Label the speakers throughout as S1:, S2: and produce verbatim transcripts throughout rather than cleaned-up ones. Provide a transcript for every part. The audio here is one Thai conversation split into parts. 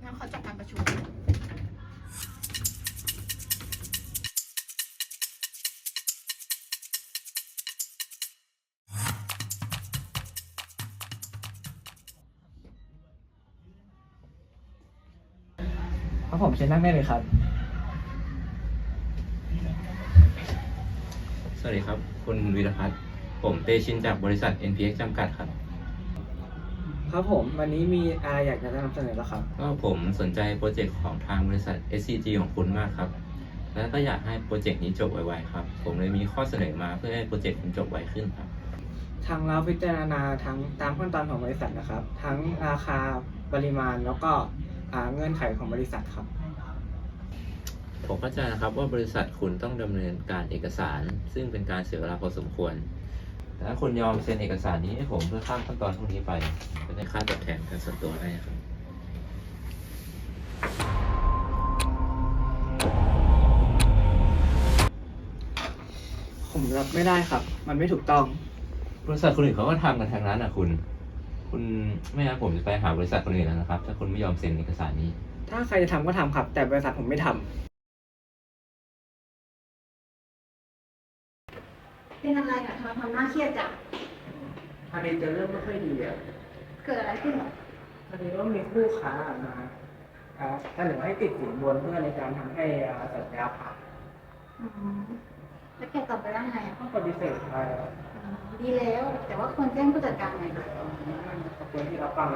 S1: งั้นขอจบการประชุม
S2: ครับผมเชิญนั่งได้เลยครับ
S3: สวัสดีครับคุณวีรพัฒน์ผมเตชินจากบริษัท เอ็น พี เอ็กซ์ จำกัดครับ
S2: ครับผมวันนี้มีอะไรอยากจะนำเสนอแล้วครับ
S3: ก็ผมสนใจโปรเจกต์ของทางบริษัท เอส ซี จี ของคุณมากครับ และก็อยากให้โปรเจกต์นี้จบไวๆครับ ผมเลยมีข้อเสนอมาเพื่อให้โปรเจกต์คุณจบไวขึ้นครับ
S2: ทางเราพิจารณาทั้งตามขั้นตอนของบริษัทนะครับ ทั้งราคาปริมาณแล้วก็อ่าเงื่อนไขของบริษัทครับ
S3: ผมเข้าใจนะครับว่าบริษัทคุณต้องดำเนินการเอกสาร ซึ่งเป็นการเสียเวลาพอสมควร แต่ถ้าคุณยอมเซ็นเอกสารนี้ให้ผมเพื่อข้ามขั้นตอนพวกนี้ไปก็ได้ค่าตอบแทนการส่วนตัวให้ครับ
S2: ผมรับไม่ได้ครับ มันไม่ถูกต้อง
S3: บริษัทคนอื่นเขาก็ทำกันทางนั้นนะคุณ คุณไม่งั้นผมจะไปหาบริษัทคนอื่นแล้วนะครับ ถ้าคุณไม่ยอมเซ็นเอกสารนี้
S2: ถ้าใครจะทำก็ทำครับ แต่บริษัทผมไม่ทำ
S1: เป็นอะไรอะทำไมทำหน้าเครียดจัง
S2: พอดีจะเริ่มไม่ค่อยดีอ่ะ
S1: เกิดอะไรขึ้นหรอ
S2: พอดีว่ามีคู่ค้ามาอ่าเสนอให้ติดสินบนเพื่อในการทำให้อ่าสัญญาผ่าน
S1: อืมแล้วแกตอบไปว่าไงอะ
S2: ก็ปฏิเสธไปอ่ะ
S1: อืมดีแล้ว แต่ว่าควรแจ้งผู้จัดการหน่อยนะ
S2: ขอบคุณที่รับฟังนะ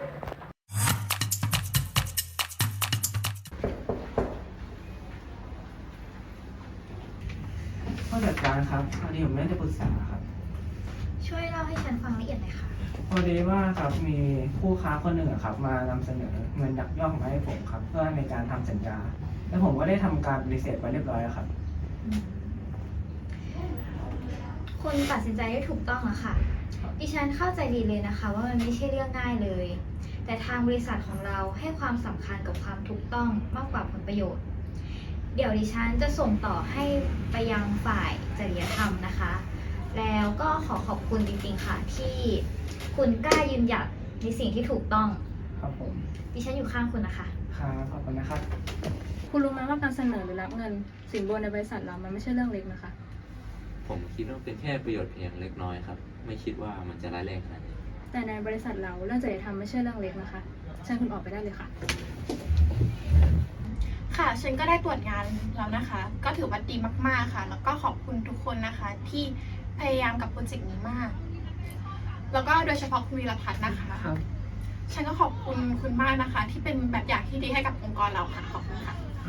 S2: ผู้จัดการครับพอดีผมไม่ได้ปรึกษาครับ
S1: ช่วยเล่าให้ฉันฟังละเอียดหน่อยค่ะ
S2: พอดีว่าครับมีผู้ค้าคนหนึ่งอะครับ มานำเสนอเงินยักยอกมาให้ผมครับ เพื่อในการทำสัญญา แล้วผมก็ได้ทำการปฏิเสธไปเรียบร้อยแล้วครับ
S4: คุณตัดสินใจได้ถูกต้องอะค่ะ ดิฉันเข้าใจดีเลยนะคะ ว่ามันไม่ใช่เรื่องง่ายเลย แต่ทางบริษัทของเราให้ความสำคัญกับความถูกต้องมากกว่าผลประโยชน์ เดี๋ยวดิฉันจะส่งต่อให้ไปยังฝ่ายจริยธรรมนะคะ แล้วก็ขอขอบคุณจริงๆค่ะที่คุณกล้ายืนหยัดในสิ่งที่ถูกต้อง
S2: ครับผม
S4: ดิฉันอยู่ข้างคุณนะคะ
S2: ครับขอบคุณนะครับ
S5: คุณรู้ไหมว่าการเสนอหรือรับเงินสินบนในบริษัทเรามันไม่ใช่เรื่องเล็กนะคะ
S3: ผมคิดว่าเป็นแค่ประโยชน์เพียงเล็กน้อยครับ ไม่คิดว่ามันจะร้ายแรงขนาดนี้
S5: แต่ในบริษัทเราเรื่องจริยธรรมไม่ใช่เรื่องเล็กนะคะเชิญคุณออกไปได้เลยค่ะ
S1: ค่ะ ฉันก็ได้ตรวจงานแล้วนะคะ ก็ถือว่าดีมากๆค่ะ แล้วก็ขอบคุณทุกคนนะคะ ที่พยายามกับโปรเจกต์นี้มาก แล้วก็โดยเฉพาะคุณวีรพัฒน์นะคะ
S2: ครับ
S1: ฉันก็ขอบคุณคุณมากนะคะ ที่เป็นแบบอย่างที่ดีให้กับองค์กรเราค่ะ ขอบคุณค่ะ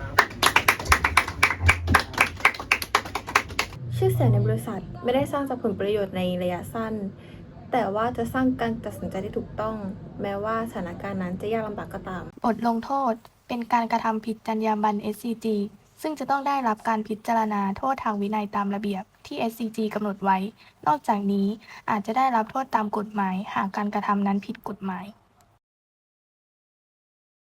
S6: ชื่อเสียงในบริษัทไม่ได้สร้างจากผลประโยชน์ในระยะสั้น แต่ว่าจะสร้างการตัดสินใจที่ถูกต้อง แม้ว่าสถานการณ์นั้นจะยากลำบากก็ตาม
S7: บทลงโทษเป็นการกระทำผิดจรรยาบรรณ เอส ซี จี ซึ่งจะต้องได้รับการพิจารณาโทษทางวินัยตามระเบียบที่ เอส ซี จี กำหนดไว้ นอกจากนี้อาจจะได้รับโทษตามกฎหมายหากการกระทำนั้นผิดกฎหมาย